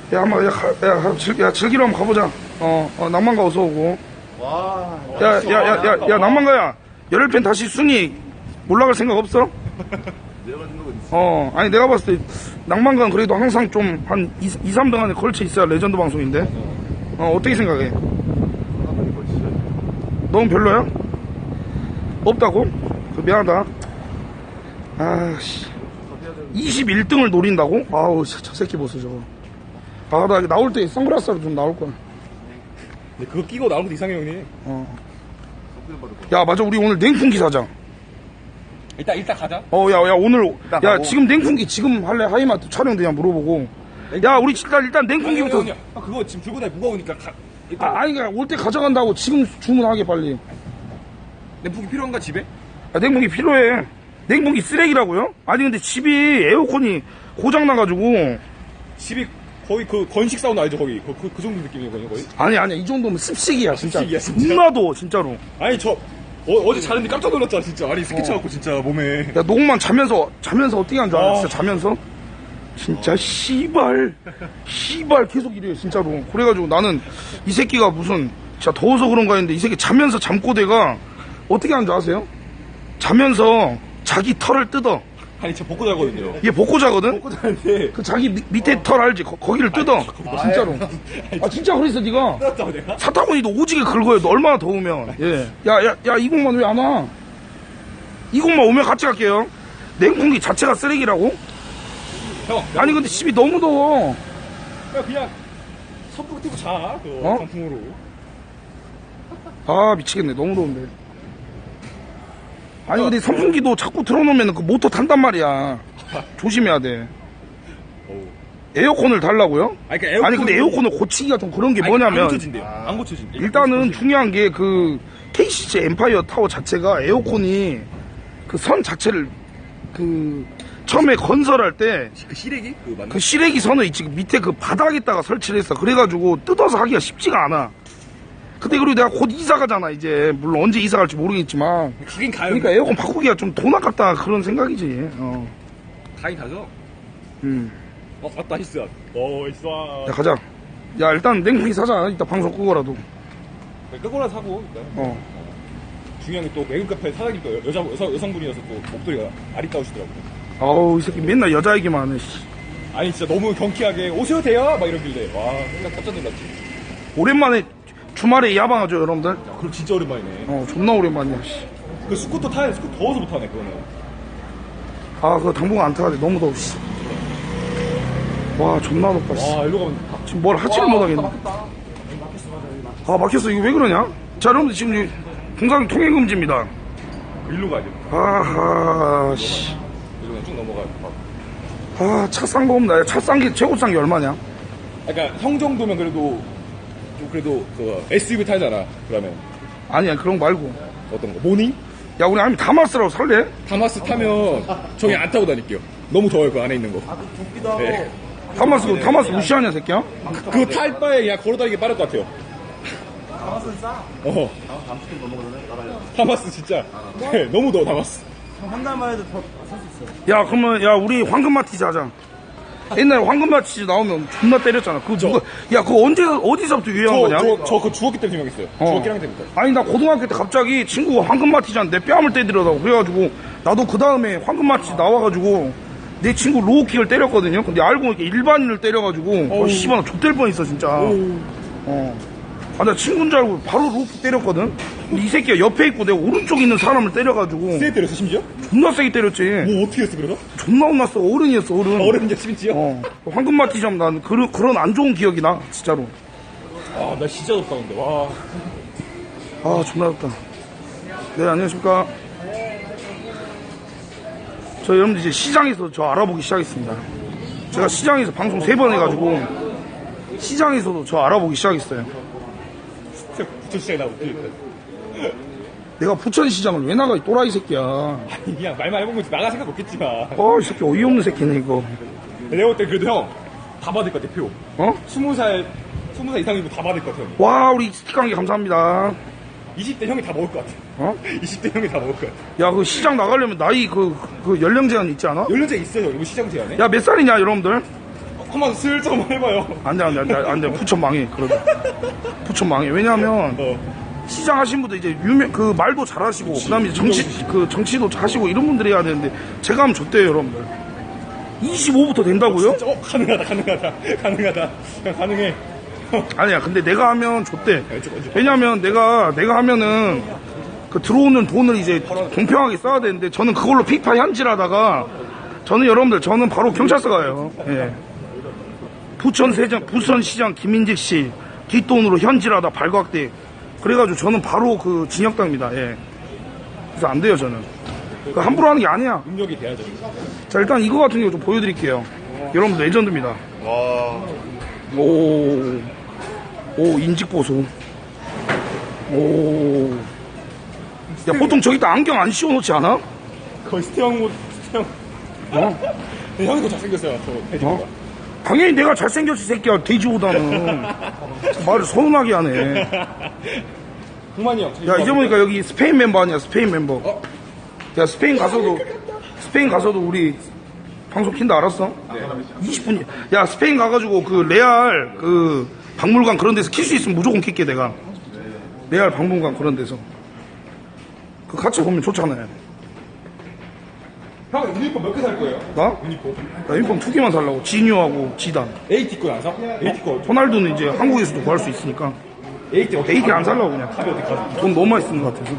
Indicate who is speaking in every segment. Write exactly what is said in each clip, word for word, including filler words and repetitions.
Speaker 1: 야, 한번, 야, 가, 야, 가, 즐, 야, 즐기러 한번 가보자. 어, 어, 낭만가 어서 오고.
Speaker 2: 와.
Speaker 1: 야, 야, 야, 야, 야, 야, 낭만가야. 열흘 다시 순위 올라갈 생각 없어?
Speaker 2: 내려가는 건 있어.
Speaker 1: 어, 아니, 내가 봤을 때, 낭만가는 그래도 항상 좀, 한 이, 삼 등 안에 걸쳐 있어야 레전드 방송인데. 어, 어떻게 생각해? 너무 별로야? 없다고? 그 미안하다. 아씨. 이십일 등을 노린다고? 아우, 저, 저 새끼 보소, 저거. 아, 나 나올 때 선글라스로 좀 나올 거야.
Speaker 3: 근데 그거 끼고 나오는 것도 이상해, 형님.
Speaker 1: 어. 야, 맞아. 우리 오늘 냉풍기 사자.
Speaker 3: 일단, 일단 가자.
Speaker 1: 어, 야, 야, 오늘. 야,
Speaker 3: 가고.
Speaker 1: 지금 냉풍기 지금 할래? 하이마트 촬영되냐 물어보고. 야, 우리 일단, 일단 냉풍기부터.
Speaker 3: 아니, 아, 그거 지금 들고 다니 무거우니까 가. 일단
Speaker 1: 아, 아니, 그냥 올 때 가져간다고 지금 주문하게, 빨리.
Speaker 3: 냉풍기 필요한가, 집에?
Speaker 1: 아, 냉풍기 필요해. 냉풍기 쓰레기라고요? 아니, 근데 집이 에어컨이 고장나가지고.
Speaker 3: 집이 거의 그 건식 사우나 알죠, 거기? 그, 그, 그 정도 느낌이거든요, 거의?
Speaker 1: 아니, 아니, 이 정도면 습식이야, 진짜.
Speaker 3: 습식이야, 진짜?
Speaker 1: 존나도, 진짜로.
Speaker 3: 아니, 저, 어, 어제 자는데 깜짝 놀랐잖아, 진짜. 아니, 스케치 갖고 진짜 몸에.
Speaker 1: 야, 녹만 자면서, 자면서 어떻게 한 줄 알아?
Speaker 3: 어.
Speaker 1: 진짜 자면서? 진짜, 씨발. 씨발, 계속 이래요, 진짜로. 그래가지고 나는 이 새끼가 무슨, 진짜 더워서 그런가 했는데 이 새끼 자면서 잠꼬대가 어떻게 하는 줄 아세요? 자면서 자기 털을 뜯어.
Speaker 3: 아니, 저 벗고 자거든요.
Speaker 1: 얘 벗고 자거든?
Speaker 3: 벗고 자는데.
Speaker 1: 그 자기 미, 밑에 털 알지? 거, 거기를 뜯어. 진짜로. 아, 진짜 그랬어, 니가.
Speaker 3: 뜯었다고 내가?
Speaker 1: 사타구니도 오지게 긁어요. 너 얼마나 더우면. 예. 야, 야, 야, 이공만 왜 안 와? 이공만 오면 같이 갈게요. 냉풍기 자체가 쓰레기라고?
Speaker 3: 형.
Speaker 1: 아니, 근데 집이 너무 더워.
Speaker 3: 야, 그냥 선풍기 틀고 자, 그
Speaker 1: 어?
Speaker 3: 강풍으로.
Speaker 1: 아, 미치겠네. 너무 더운데. 아니, 근데 선풍기도 자꾸 틀어놓으면 그 모터 탄단 말이야. 조심해야 돼.
Speaker 3: 어우.
Speaker 1: 에어컨을 달라고요?
Speaker 3: 아니, 그러니까
Speaker 1: 아니, 근데 에어컨을 고치기가 좀 그런 게 뭐냐면.
Speaker 3: 안 고쳐진대요. 안 고쳐진대.
Speaker 1: 일단은 중요한 게 그 케이씨씨 엠파이어 타워 자체가 에어컨이 그 선 자체를 그 처음에 건설할 때
Speaker 3: 그 시래기? 그 맞나?
Speaker 1: 그 시래기 선을 있지 그 밑에 그 바닥에다가 설치를 했어. 그래가지고 뜯어서 하기가 쉽지가 않아. 근데 그리고 내가 곧 이사 가잖아 이제. 물론 언제 이사 갈지 모르겠지만.
Speaker 3: 가긴 가요.
Speaker 1: 그러니까 에어컨 바꾸기가 좀 돈 아깝다 그런 생각이지. 어.
Speaker 3: 가긴 가죠.
Speaker 1: 음.
Speaker 3: 어, 맞다, 히스야. 어, 있어.
Speaker 1: 야 가자. 야 일단 냉풍기 사자. 이따 방송 끄고라도.
Speaker 3: 끄고나 사고, 일단.
Speaker 1: 어.
Speaker 3: 중요한 게 또 외국 카페 사장님도 여자, 여성, 여성분이어서 또 목소리가 아리따우시더라고요.
Speaker 1: 아우 이 새끼 맨날 여자 얘기만 하네. 씨.
Speaker 3: 아니, 진짜 너무 경쾌하게 오셔도 돼요? 막 이러길래. 와, 생각 깜짝 놀랐지.
Speaker 1: 오랜만에 주말에 야방하죠 여러분들.
Speaker 3: 야, 그럼 진짜 오랜만이네.
Speaker 1: 어 존나 오랜만이야. 씨.
Speaker 3: 그 스쿠터 타야 스쿠터 더워서 못 타네, 그거는.
Speaker 1: 아 그거 당분간 안 타야 돼. 너무 더워. 씨. 와 존나 높아. 씨.
Speaker 3: 와, 일로 가면.
Speaker 1: 지금 뭘 하지를 못하겠네. 아 막혔어. 이거 왜 그러냐? 자 여러분들 지금 이 공상 통행 금지입니다.
Speaker 3: 일로 가야 돼.
Speaker 1: 아하 씨.
Speaker 3: 일로 그냥 쭉 넘어가요.
Speaker 1: 아차 싼 거 없나? 차 싼 게 최고 싼 게 얼마냐?
Speaker 3: 그러니까 형 정도면 그래도 좀 그래도 그 에스유브이 타잖아. 그러면
Speaker 1: 아니야 그런 거 말고.
Speaker 3: 어떤 거? 모닝?
Speaker 1: 야 우리 아니면 다마스라고 살래?
Speaker 3: 다마스 타면 저기 안 타고 다닐게요. 너무 더워요, 그 안에 있는 거.
Speaker 2: 웃기다.
Speaker 3: 네.
Speaker 1: 다마스 다마스 무시하냐 새끼야?
Speaker 3: 그거 탈 바에 그냥 걸어다니기 빠를 것 같아요.
Speaker 2: 다마스는 싸.
Speaker 3: 어.
Speaker 2: 다마스 좀 넘어가잖아요. 나가요.
Speaker 3: 다마스 진짜. 네, 너무 더워, 다마스.
Speaker 2: 한 달만 해도 더 살 수 있어요.
Speaker 1: 야 그러면 야 우리 황금마티즈 하자. 옛날에 황금마티즈 나오면 존나 때렸잖아. 그거 누가? 야 그거 언제 어디서부터 유행한 거냐?
Speaker 3: 저, 저, 저 그 주먹기 때문에 유명했어요.
Speaker 1: 어.
Speaker 3: 주먹기 랑 때부터.
Speaker 1: 아니 나 고등학교 때 갑자기 친구가 황금마티즈한테 내 뺨을 때리더라고. 그래가지고 나도 그 다음에 황금마티즈 나와가지고 내 친구 로우킥을 때렸거든요. 근데 알고 보니까 일반인을 때려가지고 어 씨발 나 좆될 뻔했어 진짜. 어. 아 나 친구인 줄 알고 바로 로우킥 때렸거든. 근데 이 새끼가 옆에 있고 내가 오른쪽에 있는 사람을 때려가지고
Speaker 3: 세게 때렸어, 심지어?
Speaker 1: 존나 세게 때렸지.
Speaker 3: 뭐 어떻게 했어, 그래서?
Speaker 1: 존나 혼났어. 어른이었어 어른.
Speaker 3: 어른이야, 심지어?
Speaker 1: 어. 황금마티즈 하면 난 그런 그런 안 좋은 기억이 나 진짜로.
Speaker 3: 아, 나 진짜 덥다, 근데. 와.
Speaker 1: 아 존나 덥다. 네 안녕하십니까. 저 여러분들 이제 시장에서 저 알아보기 시작했습니다. 제가 시장에서 방송 세 번 해가지고 시장에서도 저 알아보기 시작했어요.
Speaker 3: 부처시장에 나오고.
Speaker 1: 내가 부천시장을 왜 나가 이 또라이 새끼야.
Speaker 3: 아니, 그냥 말만 해본 거지. 나갈 생각 없겠지만.
Speaker 1: 어이 새끼 어이없는 새끼네 이거.
Speaker 3: 내가 볼 때 그래도 형, 다 받을 것 같아, 표.
Speaker 1: 어?
Speaker 3: 스무 살, 스무 살 이상이면 다 받을 것 같아, 형.
Speaker 1: 와 우리 스티커 한 개 감사합니다.
Speaker 3: 이십 대 형이 다 먹을 것 같아.
Speaker 1: 어?
Speaker 3: 이십 대 형이 다 먹을 것 같아.
Speaker 1: 야 그 시장 나가려면 나이 그, 그 연령 제한 있지 않아?
Speaker 3: 연령제 있어요, 이거 시장 제한에?
Speaker 1: 야 몇 살이냐 여러분들?
Speaker 3: 한번 슬쩍 한번 해봐요.
Speaker 1: 안 돼, 안 돼, 안 돼, 안 돼. 부천 망해, 그러다. 부천 망해. 왜냐하면,
Speaker 3: 어.
Speaker 1: 시장 하신 분들 이제 유명, 그 말도 잘 하시고, 그 다음에 정치, 그 정치도 하시고 이런 분들이 해야 되는데, 제가 하면 줬대요, 여러분들. 이십오부터 된다고요?
Speaker 3: 진짜, 어, 가능하다, 가능하다, 가능하다. 그냥 가능해.
Speaker 1: 아니야, 근데 내가 하면 줬대.
Speaker 3: 왼쪽, 왼쪽.
Speaker 1: 왜냐면 내가, 내가 하면은, 그 들어오는 돈을 이제 공평하게 써야 되는데, 저는 그걸로 피파 현질하다가, 저는 여러분들, 저는 바로 경찰서 가요. 예. 부천세장, 부천시장 김인직 씨 뒷돈으로 현질하다 발각돼. 그래가지고 저는 바로 그 징역당입니다. 예. 그래서 안 돼요, 저는. 그 함부로 하는 게 아니야.
Speaker 3: 능력이 돼야죠.
Speaker 1: 자, 일단 이거 같은 경우 좀 보여드릴게요. 여러분들 레전드입니다.
Speaker 2: 와.
Speaker 1: 오, 오, 인직보수. 오. 야, 보통 저기다 안경 안 씌워놓지 않아?
Speaker 3: 거의 스테형 모 스테형.
Speaker 1: 어?
Speaker 3: 형이 더 잘생겼어요, 저 돼지보다.
Speaker 1: 어? 당연히 내가 잘생겼지, 새끼야. 돼지보다는. 말을 서운하게 하네.
Speaker 3: 동만이 형.
Speaker 1: 야, 이제 보니까 여기 스페인 멤버 아니야, 스페인 멤버.
Speaker 3: 어?
Speaker 1: 야, 스페인 가서도, 스페인 가서도 우리 방송 킨다 알았어? 이십 분. 야, 스페인 가가지고 그 레알 그 박물관 그런 데서 킬 수 있으면 무조건 킬게, 내가. 레알 박물관 그런 데서. 그 같이 보면 좋잖아요.
Speaker 3: 형 유니폼 몇 개 살 거예요?
Speaker 1: 나?
Speaker 3: 유니폼.
Speaker 1: 나 유니폼 두 개만 살라고. 지뉴하고 지단.
Speaker 3: 에이티 거안 사? 에이티 거.
Speaker 1: 호날두는 이제 한국에서도 구할 수 있으니까.
Speaker 3: 에이티 어떻게
Speaker 1: 에이티 안 살라고 그냥.
Speaker 3: 탑이 어디 가서?
Speaker 1: 돈 너무 많이 쓰는 것 같아서.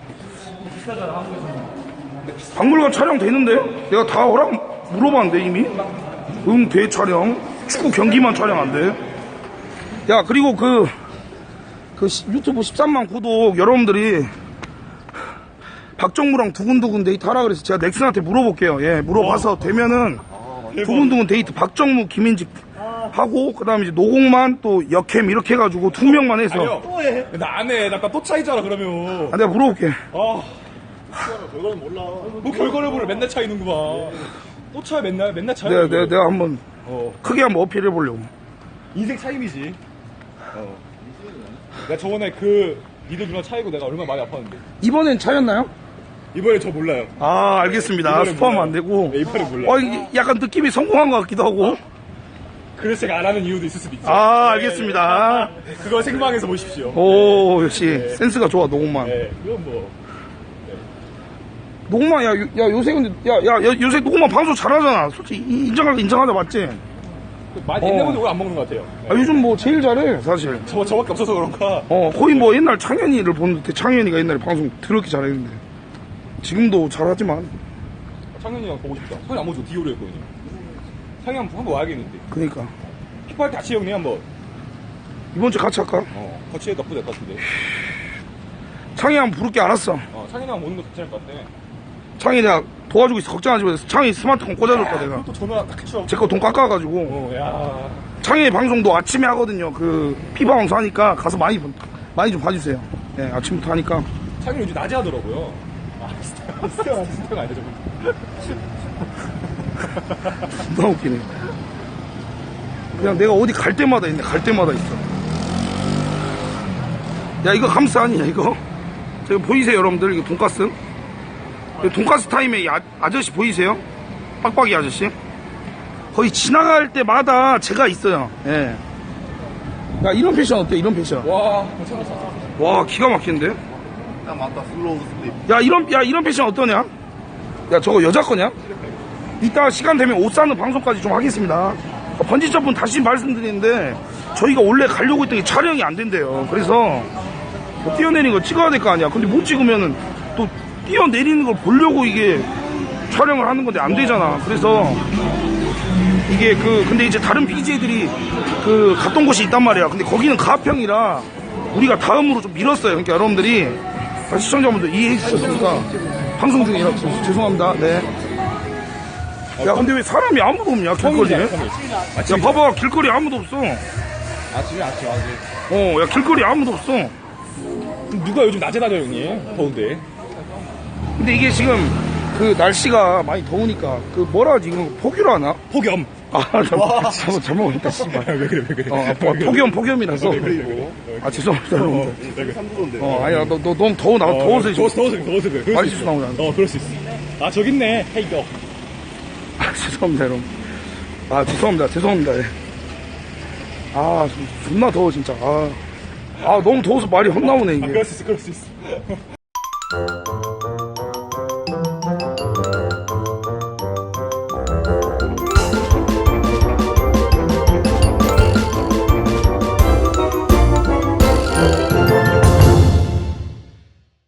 Speaker 1: 박물관 촬영 되는데? 내가 다 허락 물어봤는데 이미? 응, 돼 촬영. 축구 경기만 촬영 안 돼. 야, 그리고 그, 그 시- 유튜브 십삼만 구독 여러분들이 박정무랑 두근두근 데이트 하라 그래서 제가 넥슨한테 물어볼게요. 예, 물어봐서 되면은 두근두근 데이트 박정무, 김인직 하고 그다음에 이제 노공만 또 역캠 이렇게 해가지고 두 명만 해서.
Speaker 3: 아니요. 또 해. 나안 해. 나 아까 또 차이잖아, 그러면.
Speaker 1: 아, 내가 물어볼게.
Speaker 3: 아,
Speaker 2: 결과는 몰라.
Speaker 3: 뭐 결과를 보려 맨날 차이는구만. 또 차야 맨날, 맨날 차야.
Speaker 1: 내가, 내가, 내가 한번
Speaker 3: 어.
Speaker 1: 크게 한번 어필해 보려고.
Speaker 3: 인생 차임이지. 어. 내가 저번에 그 니들 누나 차이고 내가 얼마나 많이 아팠는데.
Speaker 1: 이번엔 차였나요?
Speaker 3: 이번에 저 몰라요.
Speaker 1: 아, 알겠습니다.
Speaker 3: 이번엔
Speaker 1: 스포하면
Speaker 3: 몰라요.
Speaker 1: 안 되고.
Speaker 3: 네, 이번엔 몰라요.
Speaker 1: 어, 이게 약간 느낌이 성공한 것 같기도 하고.
Speaker 3: 그래서 제가 안 하는 이유도 있을 수도 있죠.
Speaker 1: 아, 알겠습니다.
Speaker 3: 네, 그거 생방에서 보십시오.
Speaker 1: 오, 역시 센스가 좋아, 노공만.
Speaker 3: 네, 그건 뭐.
Speaker 1: 노공만, 야, 요- 야, 요새 근데, 야, 야, 야, 요새 노공만 방송 잘하잖아. 솔직히 이- 인정하자, 인정하자, 맞지?
Speaker 3: 많이
Speaker 1: 어.
Speaker 3: 옛날보다 오래 안 먹는 것 같아요. 네.
Speaker 1: 아, 요즘 뭐 제일 잘해, 사실.
Speaker 3: 저, 저밖에 없어서 그런가.
Speaker 1: 어, 거의 뭐 옛날 창현이를 보는데 창현이가 옛날에 방송 더럽게 잘했는데. 지금도 잘하지만.
Speaker 3: 창현이 형 보고 싶다. 창현이 안 보고 디오로 했거든요. 창현이 형 한번 와야겠는데.
Speaker 1: 그니까.
Speaker 3: 힙할 때 같이 형님 한번.
Speaker 1: 이번 주 같이 할까?
Speaker 3: 어, 같이 해도 나쁘지 않을 것 같은데.
Speaker 1: 창이 한번 부를게 알았어.
Speaker 3: 어, 창현이 형 오는 거 괜찮을 것 같아.
Speaker 1: 창이 내가 도와주고 있어. 걱정하지 마. 창이 스마트폰 꽂아줬다, 내가.
Speaker 3: 그것도 전화 딱 해줘.
Speaker 1: 제 거 돈 깎아가지고.
Speaker 3: 어, 야.
Speaker 1: 창희 방송도 아침에 하거든요. 그 피바 방송 하니까 가서 많이 본- 많이 좀 봐주세요. 예, 아침부터 하니까.
Speaker 3: 창현이 요즘 낮에 하더라고요. 아, 스테형, 스테형, 스테형 아니죠, 저분.
Speaker 1: 너무 웃기네. 그냥 내가 어디 갈 때마다 있네. 갈 때마다 있어. 야, 이거 감스 아니냐 이거? 저기 보이세요, 여러분들? 이거 돈가스? 이거 돈가스 타임에 이 아, 아저씨 보이세요? 빡빡이 아저씨? 거의 지나갈 때마다 제가 있어요. 예. 야, 이런 패션 어때? 이런 패션.
Speaker 3: 와, 괜찮다.
Speaker 1: 와, 기가 막히는데?
Speaker 2: 야, 맞다. 슬로우 슬립.
Speaker 1: 야, 이런, 야, 이런 패션 어떠냐? 야, 저거 여자 거냐? 이따 시간 되면 옷 사는 방송까지 좀 하겠습니다. 어, 번지점프 다시 말씀드리는데, 저희가 원래 가려고 했던 게 촬영이 안 된대요. 그래서, 뭐 뛰어내리는 거 찍어야 될 거 아니야. 근데 못 찍으면은, 또, 뛰어내리는 걸 보려고 이게 촬영을 하는 건데 안 되잖아. 그래서, 이게 그, 근데 이제 다른 비제이들이 그, 갔던 곳이 있단 말이야. 근데 거기는 가평이라, 우리가 다음으로 좀 밀었어요. 그러니까 여러분들이, 시청자분들 이해해 주셨으니까, 방송 중이라 죄송합니다. 네. 야, 근데 왜 사람이 아무도 없냐, 길거리에? 야, 봐봐, 길거리에 아무도 없어.
Speaker 3: 아침에 아침 아직.
Speaker 1: 어, 야, 길거리에 아무도 없어.
Speaker 3: 누가 요즘 낮에 다녀, 형님? 더운데.
Speaker 1: 근데 이게 지금, 그 날씨가 많이 더우니까, 그 뭐라 하지, 이거 폭유라 하나?
Speaker 3: 폭염.
Speaker 1: 아, 잘못, 잘못, 잘못했다, 씨발.
Speaker 3: 왜 그래, 왜 그래.
Speaker 1: 어, 아, 폭염, 폭염이라서.
Speaker 2: 그리고
Speaker 1: 아, 죄송합니다, 여러분들.
Speaker 2: 여기 삼 도인데.
Speaker 1: 어, 아니야, 너, 너 너무 더워, 나, 더워서 지금.
Speaker 3: 더워서, 더워서, 더워서 그래. 그럴
Speaker 1: 많이
Speaker 3: 수
Speaker 1: 수
Speaker 3: 있어.
Speaker 1: 나오잖아.
Speaker 3: 어, 그럴 수 있어. 아, 저기 있네. 헤이거.
Speaker 1: 아, 죄송합니다, 여러분. 아, 죄송합니다. 죄송합니다. 예. 아, 존나 더워, 진짜. 아, 아 너무 더워서 말이 헛나오네,
Speaker 3: 아,
Speaker 1: 이게.
Speaker 3: 그럴 수 있어, 그럴 수 있어.